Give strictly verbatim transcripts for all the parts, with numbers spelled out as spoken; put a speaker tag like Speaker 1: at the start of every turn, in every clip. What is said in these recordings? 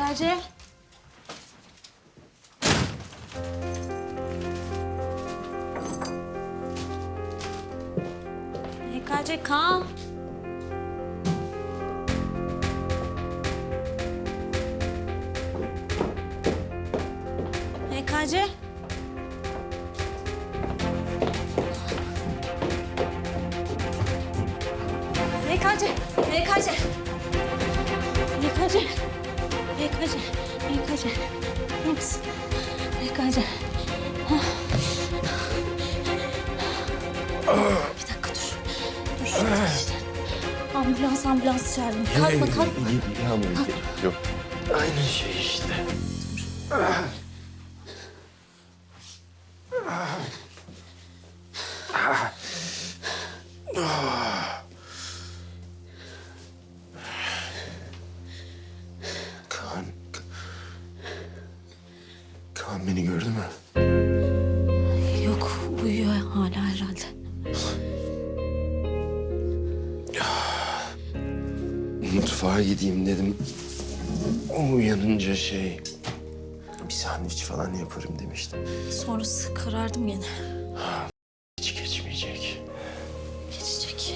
Speaker 1: K C. E K C Kaan. E K C. E K C. E K C. E K C. E K C. E K C. İyi misin? E K C. Bir dakika dur. Dur şurada işte. Ambulans ambulans çağırdım. Kalkma kalkma.
Speaker 2: Yok. Aynı şey işte. Kaan... Kaan beni gördü mü?
Speaker 1: Yok uyuyor hala herhalde.
Speaker 2: Mutfağa gideyim dedim. O uyanınca şey... Bir sandviç falan yaparım demiştim.
Speaker 1: Sonrası karardım gene.
Speaker 2: Hiç geçmeyecek.
Speaker 1: Geçecek.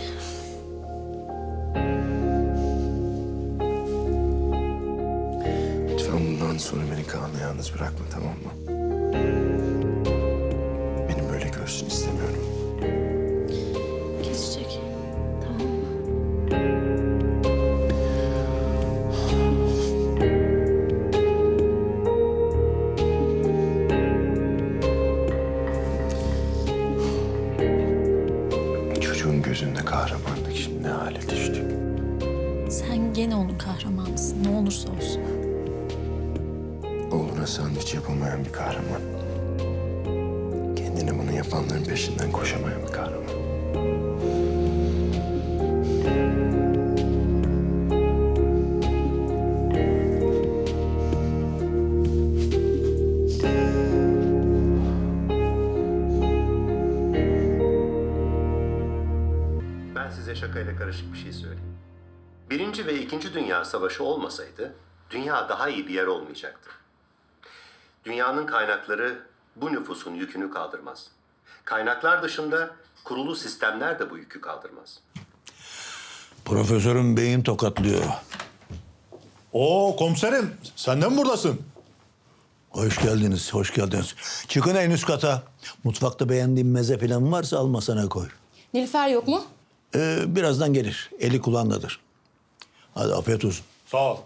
Speaker 2: Lütfen bundan sonra beni Kaan'la yalnız bırakma, tamam mı? Beni böyle görsün istemiyorum.
Speaker 1: Geçecek. Tamam mı?
Speaker 2: Çocuğun gözünde kahramanlık, şimdi ne hale düştük.
Speaker 1: Sen gene onun kahramanısın. Ne olursa olsun.
Speaker 2: Oğluna sandviç yapamayan bir kahraman. Kendine bunu yapanların peşinden koşamayan bir kahraman.
Speaker 3: Ben size şakayla karışık bir şey söyleyeyim. Birinci ve İkinci Dünya Savaşı olmasaydı, dünya daha iyi bir yer olmayacaktı. Dünyanın kaynakları bu nüfusun yükünü kaldırmaz. Kaynaklar dışında kurulu sistemler de bu yükü kaldırmaz.
Speaker 4: Profesörün beyin tokatlıyor.
Speaker 5: Oo komiserim, sen de mi buradasın?
Speaker 4: Hoş geldiniz, hoş geldiniz. Çıkın en üst kata. Mutfakta beğendiğin meze falan varsa al masana koy.
Speaker 6: Nilüfer yok mu?
Speaker 4: Ee, birazdan gelir. Eli kulağındadır. Hadi afiyet olsun.
Speaker 5: Sağ ol.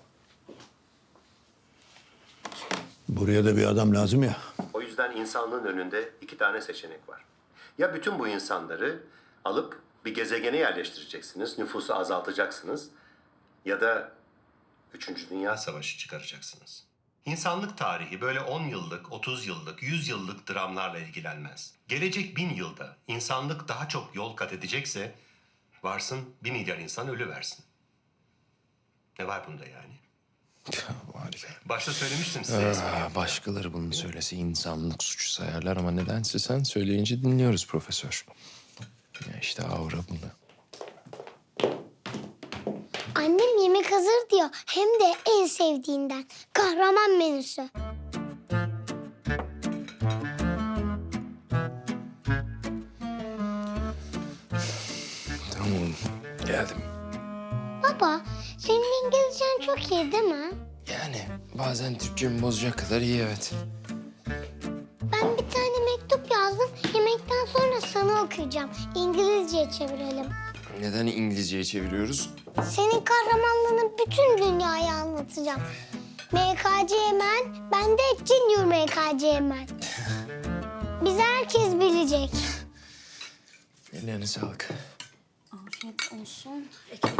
Speaker 4: Buraya da bir adam lazım ya.
Speaker 3: O yüzden insanlığın önünde iki tane seçenek var. Ya bütün bu insanları alıp bir gezegene yerleştireceksiniz, nüfusu azaltacaksınız ya da Üçüncü Dünya Savaşı çıkaracaksınız. İnsanlık tarihi böyle on yıllık, otuz yıllık, yüz yıllık dramlarla ilgilenmez. Gelecek bin yılda insanlık daha çok yol kat edecekse varsın bir milyar insan ölü versin. Ne var bunda yani?
Speaker 2: Harika.
Speaker 3: Başta söylemiştim size espriyi.
Speaker 2: Aa, başkaları bunu söylese insanlık suçu sayarlar ama nedense sen söyleyince dinliyoruz profesör. Ya işte aura bunu.
Speaker 7: Annem yemek hazır diyor. Hem de en sevdiğinden. Kahraman menüsü.
Speaker 2: Tamam oğlum, geldim.
Speaker 7: Baba, senin İngilizcen çok iyi değil mi?
Speaker 2: Yani bazen Türkçemi bozacak kadar iyi, evet.
Speaker 7: Ben bir tane mektup yazdım. Yemekten sonra sana okuyacağım. İngilizceye çevirelim.
Speaker 2: Neden İngilizceye çeviriyoruz?
Speaker 7: Senin kahramanlığını bütün dünyaya anlatacağım. M K C Man, ben de Junior M K C Man. Bizi herkes bilecek.
Speaker 2: Ellerine sağlık.
Speaker 1: Afiyet olsun.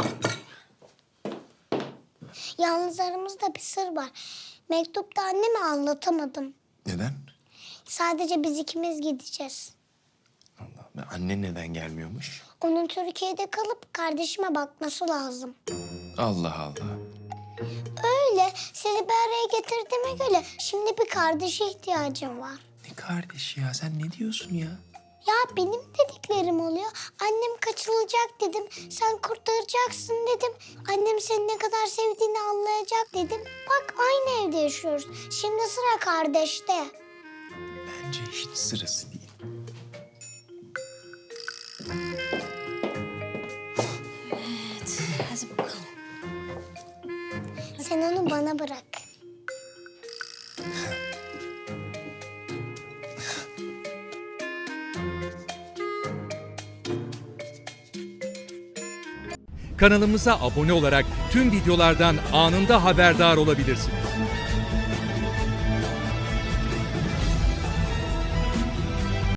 Speaker 7: Yalnız aramızda bir sır var. Mektupta anneme anlatamadım.
Speaker 2: Neden?
Speaker 7: Sadece biz ikimiz gideceğiz.
Speaker 2: Allah Allah. Annen neden gelmiyormuş?
Speaker 7: Onun Türkiye'de kalıp kardeşime bakması lazım.
Speaker 2: Allah Allah.
Speaker 7: Öyle. Sizi bir araya getirdiğime göre şimdi bir kardeşe ihtiyacım var.
Speaker 2: Ne kardeşi ya? Sen ne diyorsun ya?
Speaker 7: Ya benim dediklerim oluyor. Annem kaçırılacak dedim. Sen kurtaracaksın dedim. Annem seni ne kadar sevdiğini anlayacak dedim. Bak aynı evde yaşıyoruz. Şimdi sıra kardeşte.
Speaker 2: Bence hiç sırası değil.
Speaker 1: Evet, hadi bakalım.
Speaker 7: Sen onu bana bırak.
Speaker 6: Kanalımıza abone olarak tüm videolardan anında haberdar olabilirsiniz.